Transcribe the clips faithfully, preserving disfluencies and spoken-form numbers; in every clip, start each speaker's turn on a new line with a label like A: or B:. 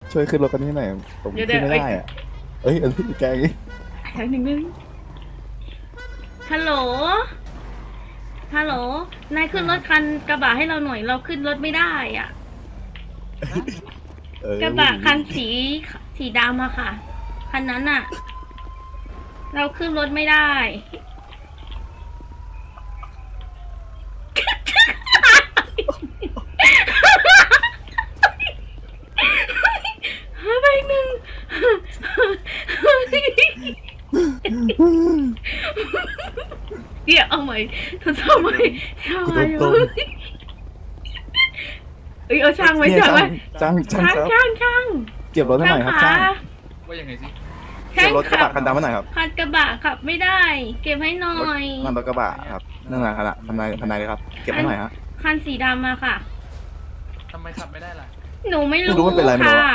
A: ช่วยขึ้นรถกันที่ไหนผมขึ้นไม่ได้อ่ะเอ้ยอันนี้แกงี้
B: แป๊บหนึ่งนึงฮัลโหลฮัลโหลนายขึ้นรถคันกระบะให้เราหน่อยเราขึ้นรถไม่ได้อ่ะกระบะคันสีสีดำอะค่ะคันนั้นอะเราขึ้นรถไม่ได้ไปหนึ่งเดี๋ยวเอาใหม่ทดสอบใหม่เอาใหม่เอ้ยเอาช่างไว้ช่างไว้
A: ช่างช่าง
B: ช่างช่าง
A: เก็บรถให้หน่อยครับช่าง
C: ว่ายังไงสิ
A: เก็บรถกระบะคันดำให้หน่อยครับ
B: คันกระบะขับไม่ได้ เก็บให้หน่อย
A: นั่นรถกระบะครับนั่นแหละครับคันไหนคันไหนเลยครับเก็บให้หน่อยฮะ
B: คันสีดำมาค่ะ
C: ทำไมขับไม่ได้ล่ะ
B: หนูไม่รู้
A: ค่ะ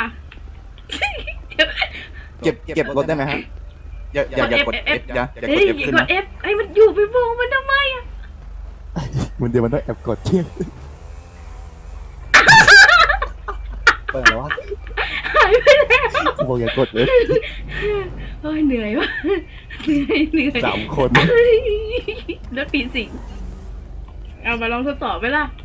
A: เก็บเก็บรถได้ไหมฮะอย่าอย่าอย่ากด F อย่าอย่ากด F ขึ้นนะ
B: F ไอ้มันอยู่ไปโบงมันทำไมอ่ะ
A: มันเดี๋ยวมันต้องแอบกดเที่ยงเปิดแล้ววะ
B: หายไปแล้ว
A: บอกอย่ากด F
B: โอ้ยเหนื่อยวะเหนื่อยเหนื่อย
A: สามคน
B: รถปีสิงเอามาลองทดสอบไหมล่ะ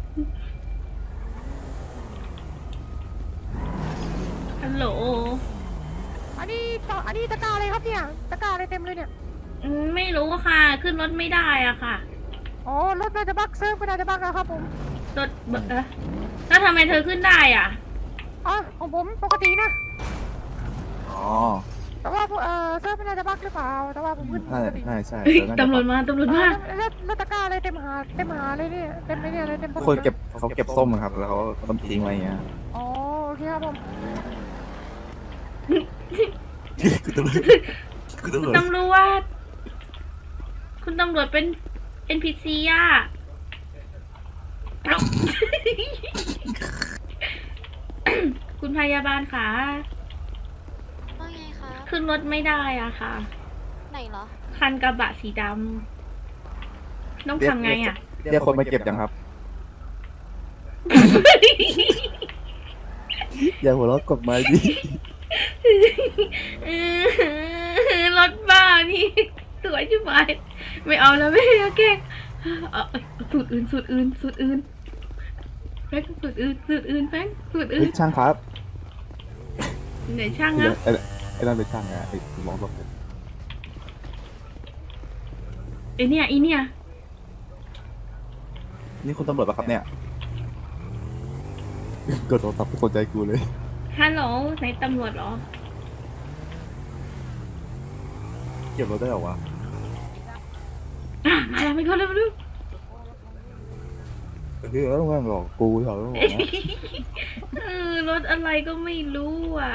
B: ฮัลโหล
D: อันนี้ต่ออันนี้ตะกร้าอะไรครับเนี่ยตะกร้าอะไรเต็มเลยเนี่ย
B: ไม่รู้ค่ะขึ้นรถไม่ได้อ่ะค่ะ
D: อ๋อรถน่าจะบักเซิร์ฟก็น่าจะบักนะครับผม
B: รถเออแล้วทำไมเธอขึ้นได้อ่ะ
D: อ๋อของผมปกตินะ
A: อ๋อ
D: แต่ว่าเออเซิร์ฟไม่น่าจะบักหรือเปล่าแต่ว่าผมขึ้น
A: ใช่ใช่ใช่
B: ตำรวจมาตำรวจมา
D: แล้วแล้วตะกร้าอะไรเต็มหาเต็มหาเลยเนี่ยเต็มเลยเนี่ยอะไรเต็ม
A: คนเก็บเขาเก็บส้มครับแล้วเขาต้องทิ้งไว้อย่างเงี้ย
D: อ๋อโอเคครับผม
A: คุณตำรวจคุณตำรวจ
B: ตำรวจคุณตำรวจเป็น เอ็น พี ซี อ่ะคุณพยาบาลค่ะ
E: ว่าไงคะ
B: ขึ้นรถไม่ได้อ่ะค่ะ
E: ไหนเหรอ
B: คันกระบะสีดำต้องทำไงอ่ะ
A: เรียกคนมาเก็บยังครับอย่าหัวเราะกดไม้ดิ
B: รถบ้านี่สวยชิบหายไม่เอาแล้วไม่เอาแกเอาสูตรอื่นสูตรอื่นสูตรอื่นแป้งสูตรอื่นสูตรอื่นแป้งสูตรอื่น
A: ช่างครับ
B: ไหนช่างอ่ะ
A: ไอ้นั่นเป็นช่างไงไอ้มองแบบ
B: ไอเนี่ยไอเนี่ย
A: นี่คุณตำรวจปะครับเนี่ยกดโทรศัพท์สนใจกูเลย
B: ฮัลโหลไหนตำรวจเหรอ
A: เก็บรถได้หรอวะ
B: มาแล้วไม่เข้าเลยมาดู
A: เฮ้ยแล้วมันบอกกูเหรอ
B: เออรถอะไรก็ไม่รู้อ่ะ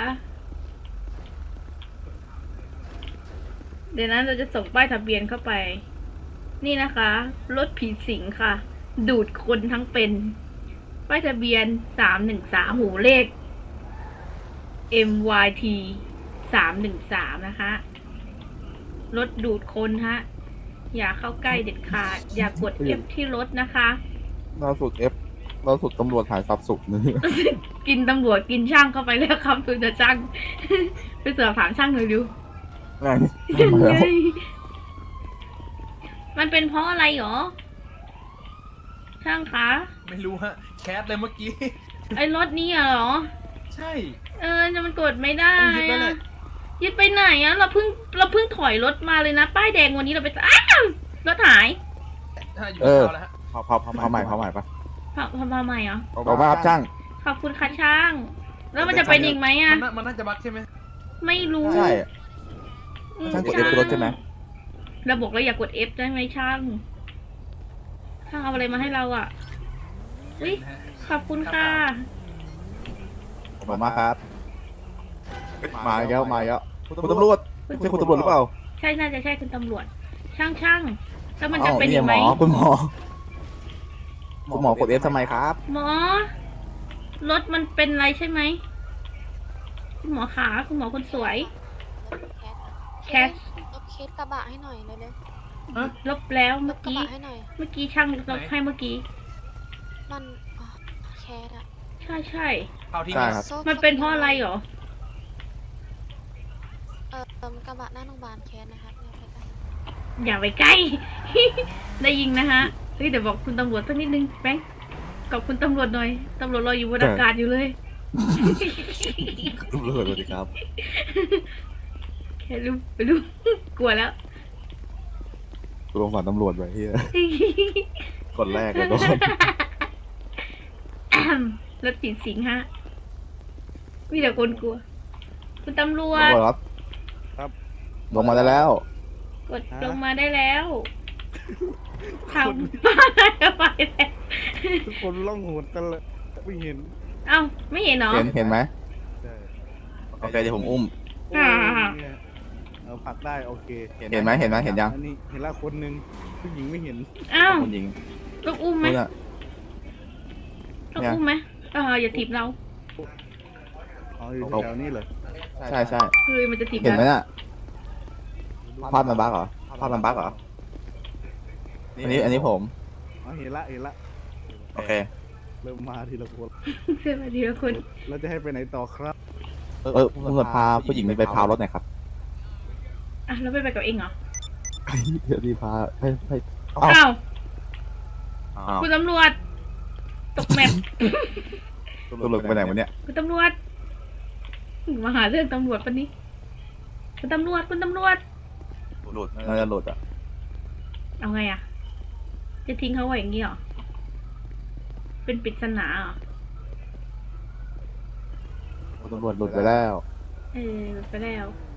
B: เดี๋ยวนั้นเราจะส่งป้ายทะเบียนเข้าไปนี่นะคะรถผีสิงค่ะดูดคนทั้งเป็นป้ายทะเบียนสามหนึ่งสามหูเลข เอ็ม วาย ที สามหนึ่งสามนะคะรถดูดคนฮะอย่าเข้าใกล้เด็ดขาดอย่ากด F ที่รถนะคะ
A: ล่าสุด F ล่าสุดตำรวจหายทรัพย์สุขนี่
B: กินตำรวจกินช่างเข้าไปแล้วครับคุณจะช่างไปเสือถามช่างหน่อยดูมันเป็นเพราะอะไรหรอช่างคะ
C: ไม่รู้ฮะแคสเลยเมื่อกี้
B: ไอ้รถนี้เหรอ
C: ใช่
B: เออจะมันกดไม่ได้อะยึดไปไหนอะเราเพิ่งเราเพิ่งถอยรถมาเลยนะป้ายแดงวันนี้เราไปอ้าวรถหาย
A: เออพอพอพอใหม่พอใหม่ปะ
B: พอพอมาใหม่เหรอ
A: ขอบคุณครับช่าง
B: ขอบคุณค่ะช่างแล้วมันจะเป็นอีกไหมอะ
C: มันน่าจะบั๊กใช่ไหม
B: ไม่รู้
A: ใช่ช่างกด F รถใช่ไหม
B: เราบอกเราอยากกด F ได้ไหมช่างช่างเอาอะไรมาให้เราอ่ะอุ้ยขอบคุณค่ะ
A: ขอบคุณมากครับมาแล้วมาแล้วคุณตำรวจใช่คุณตำรวจหรือเปล่า
B: ใช่น่าจะใช่คุณตำรวจช่างช่างแล้วมันจะเป็นยังไง
A: คุณหมอคุณหมอกด F ทำไมครับ
B: หมอรถมันเป็นอะไรใช่ไหมคุณหมอขาคุณหมอคนสวย
E: แคสลบเคสกระบะให้หน่อยเร็ว
B: ๆลบแล้วเมื่อกี้เมื่อกี้ช่างลบให้เมื่อกี้
E: มันแคสอะ
B: ใช่ใช่
C: เผาทิ้ง
A: ใช่
C: เลย
A: ครับ
E: โซ่
B: มันเป็นเพราะอะไรเหรอ
E: เออเอิ่มกระบะหน้าโรงพยาบาลแคสนะครับเนี่ยไปกัน
B: อย่าไปใกล้ ได้ยิงนะฮะ เฮ้ยเดี๋ยวบอกคุณตำรวจสักนิดนึงแบงค์ขอบคุณตำรวจหน่อย ตำรวจรออยู่บนอากาศอยู่เลย
A: ตำรวจสวัสดีครับ
B: แค่รู้รู้ กลัวแล้ว
A: กูลงฝันตำรวจไปที่คนแรกเลยโดน
B: รถผีสิงฮะ มีแต่คนกลัว คุณตำรวจ
A: ตำรวจครับ
F: ครับ
A: ลงมาได้แล้ว
B: กด
F: ฮะ
B: ลงมาได้แล้วทำบ้าอะไรไปแล้ว
F: ทุกคนล่องหนกันเลยไม่เห็น
B: เอ้า ไม่เห็นเหรอ
A: เห็นเห็นไหม
F: ใช่
A: โอเคเดี๋ยวผมอุ้ม
F: โอ้
B: อ่า
F: เนี่ยเอาผลักได้โอเค
A: เห็นไหมเห็นไหมเห็นยัง
F: อันนี้เห็นละคนหนึ่งผู้หญิงไม่เห็น
B: เอ้า
A: คุณหญิง
B: ต้องอุ้มไหม
A: นู่นน่ะ
B: ต้อง
A: เนี่ย
B: อุ้มไหมเอออย่าถีบเรา
F: อ๋ออยู่
A: เอา
F: แถวนี้เลย
A: ใช่ใช่
B: คือมันจะถีบ
A: เห็นไหม
B: เรา
A: น่ะภาพมันบั๊กเหรอภาพมันบั๊กเหรออันนี้อันนี้ผม
F: อ๋อเห็นละเห็นละ
A: โอเค
F: เริ่มมาทีละคน
B: เสื้อมาทีละคน
F: เราจะให้ไปไหนต่อครับ
A: เออเออตำรวจพาผู้หญิงไปพาวรถหน่อยครับ
B: อ่ะแล้วไปไปกับเองเหรอ
A: เดี๋ยวดีพาให้ให้เอ้า
B: อ้าว
A: อ้าว
B: คุณตำรวจ ตกแมป
A: ตำรวจไปไหนวะเนี่ย
B: คุณตำรวจ มาหาเรื่องตำรวจปะนี้คุณตำรวจ คุณตำรวจ
A: หลุดน่าจะหลุดอ่ะ
B: เอาไงอะจะทิ้งเขาไว้อย่างนี้เหรอ เป็นปริศนาเหรอ
A: ตำรวจหลุดไปแล้ว
B: เออไปแล้ว